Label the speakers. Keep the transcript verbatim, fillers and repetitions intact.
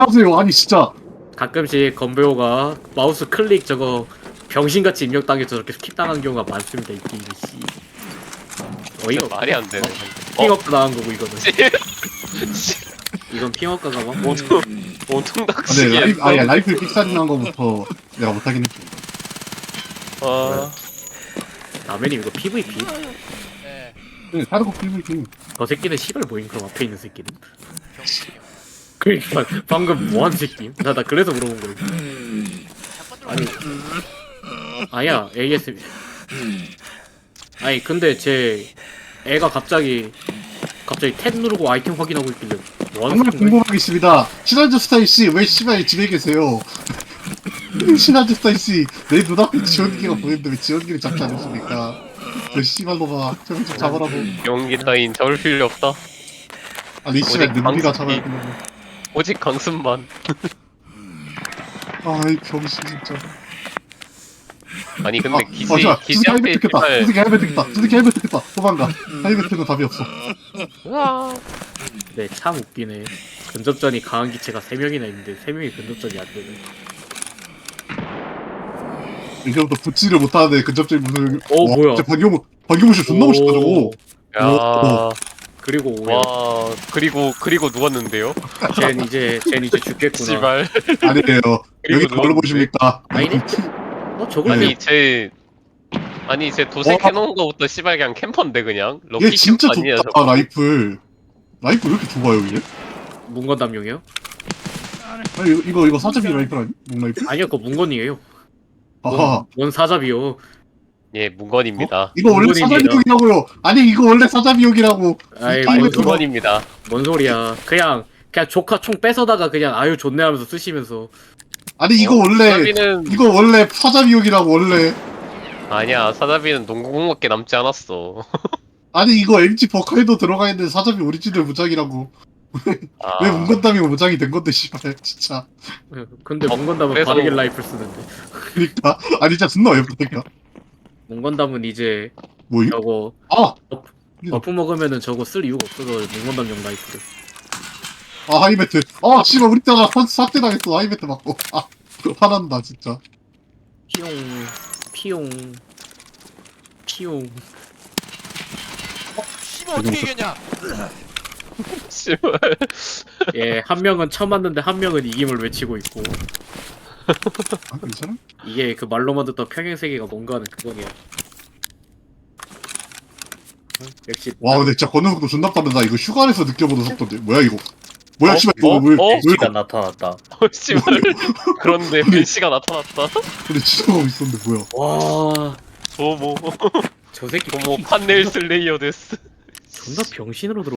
Speaker 1: 하세요. 아니 진짜.
Speaker 2: 가끔씩 건배호가 마우스 클릭 저거 병신같이 입력당해 저렇게 킵당한 경우가 많습니다. 이 게임이 씨. 어이가 없어.
Speaker 3: 말이 안 되네.
Speaker 2: 핑업가 당한 거고 이거는. 이건 핑업가가 막
Speaker 3: 온통 온통
Speaker 1: 근데
Speaker 3: 닥치기.
Speaker 1: 라이프 아니 라이플 픽사리 난 거부터 내가 못하긴 했지.
Speaker 3: 아,
Speaker 2: 라면님 이거 피브이피?
Speaker 4: 네.
Speaker 1: 근데 사르고 피브이피.
Speaker 2: 저 새끼는 시발 뭐임 그럼 앞에 있는 새끼는? 그러니까 방금 뭐한 새끼? 나 나 그래서 물어본 거야. 아니 아야 에이에스 아니 근데 제 애가 갑자기 갑자기 탭 누르고 아이템 확인하고 있길래 뭐하는
Speaker 1: 정말
Speaker 2: 새끼인가?
Speaker 1: 궁금하겠습니다. 시나즈 스타일 씨 왜 씨발 집에 계세요? 시나즈 스타일 씨내 눈앞에 지원기가 보이는데 왜 지원기를 잡지 않으십니까? 저 씨발로가 저좀 잡으라고.
Speaker 3: 용기 따윈 잡을 필요 없다.
Speaker 1: 아니 씨발
Speaker 3: 어디
Speaker 1: 능비가
Speaker 3: 방송이-
Speaker 1: 잡아야 되는
Speaker 3: 오직 강습만.
Speaker 1: 아이 병신 진짜.
Speaker 3: 아니 근데
Speaker 1: 아,
Speaker 3: 기지
Speaker 1: 어, 자, 수수께
Speaker 3: 기지한테
Speaker 1: 헬멧 듣겠다.
Speaker 3: 씨발.
Speaker 1: 수수께 헬멧 듣겠다. 수수께 헬멧 듣겠다. 도망가. 헬멧은 답이 없어.
Speaker 3: 으아.
Speaker 2: 네, 참 웃기네. 근접전이 강한 기체가 세 명이나 있는데 세 명이 근접전이 안 되네.
Speaker 1: 이제부터 붙지를 못하는데 근접적인 무슨.
Speaker 2: 어,
Speaker 1: 와,
Speaker 2: 뭐야.
Speaker 1: 진짜 박용우 박용우 씨 존나 멋있다 저거.
Speaker 3: 야.
Speaker 2: 그리고 오야.
Speaker 3: 와. 그리고 그리고 누웠는데요?
Speaker 2: 쟨 이제 쟨 이제 죽겠구나.
Speaker 3: 씨발.
Speaker 1: 아니에요. 여기
Speaker 3: 그리고
Speaker 1: 뭘
Speaker 3: 누웠는데?
Speaker 1: 보십니까?
Speaker 2: 아니네? 어 저걸
Speaker 3: 아니
Speaker 2: 왜
Speaker 3: 제 아니 제 도색
Speaker 1: 와.
Speaker 3: 해놓은 거부터 씨발 그냥 캠퍼인데 그냥 럭키
Speaker 1: 얘 진짜
Speaker 3: 캠퍼 아니야
Speaker 1: 좁다
Speaker 3: 저거.
Speaker 1: 라이플. 라이플 왜 이렇게 좁아요 얘?
Speaker 2: 문건담용이요?
Speaker 1: 아니 이거 이거, 이거 사자비 라이플 아니? 목 라이플?
Speaker 2: 아니요, 그거 문건이에요.
Speaker 1: 아하.
Speaker 2: 뭔 사잡이요?
Speaker 3: 예 문건입니다.
Speaker 1: 이거 원래
Speaker 2: 문건입니다.
Speaker 1: 사자비용이라고요. 아니 이거 원래 사자비용이라고.
Speaker 2: 아이
Speaker 1: 이거
Speaker 3: 아니
Speaker 2: 뭔,
Speaker 1: 그거-
Speaker 3: 문건입니다.
Speaker 2: 뭔 소리야? 그냥 그냥 조카 총 뺏어다가 그냥 아유 좋네 하면서 쓰시면서
Speaker 1: 아니 이거 원래
Speaker 3: 사자비는
Speaker 1: 이거 원래 사자비용이라고 원래.
Speaker 3: 아니야 사자비는 농구공밖에 남지 않았어.
Speaker 1: 아니 이거 엠지 버카에도 들어가 있는 사자비 오리지널 무장이라고.
Speaker 3: 아,
Speaker 1: 왜 문건담이 무장이 된 건데 씨발 진짜.
Speaker 2: 근데
Speaker 3: 어,
Speaker 2: 문건담은
Speaker 3: 그래서-
Speaker 2: 바르게 라이플 쓰는데
Speaker 1: 그러니까 아니 진짜 존나 어이없다니까.
Speaker 2: 문건담은 이제
Speaker 1: 뭐임?
Speaker 2: 저거
Speaker 1: 아!
Speaker 2: 버프 먹으면은 저거 쓸 이유가 없어서 문건담용 라이플을.
Speaker 1: 아 하이매트. 아 씨발 우리 때가 삭제 당했어 하이매트 맞고. 아 화난다 진짜.
Speaker 2: 피용 피용 피용.
Speaker 4: 씨발 어떻게 이겼냐?
Speaker 3: 씨발.
Speaker 2: 예, 한 명은 쳐맞는데 한 명은 이김을 외치고 있고
Speaker 1: 아 괜찮아?
Speaker 2: 이게 그 말로만 듣던 평행세계가 뭔가 하는 그거네요. 응? 역시
Speaker 1: 와 근데 진짜 걷는 속도 존나 빠르다. 이거 휴가에서 느껴보는 속도인데 뭐야 이거? 뭐야
Speaker 3: 어?
Speaker 1: 씨발 이거
Speaker 3: 어?
Speaker 1: 왜?
Speaker 3: 어?
Speaker 1: 왜
Speaker 2: 시가
Speaker 1: 이거?
Speaker 2: 나타났다.
Speaker 3: 어, 씨발. 그런데 벤시가 나타났다.
Speaker 1: 근데 지도가 있었는데 뭐야?
Speaker 2: 와,
Speaker 3: 어머
Speaker 2: 저 새끼
Speaker 3: 어머 판넬 슬레이어 데스.
Speaker 2: 존나 병신으로 들어.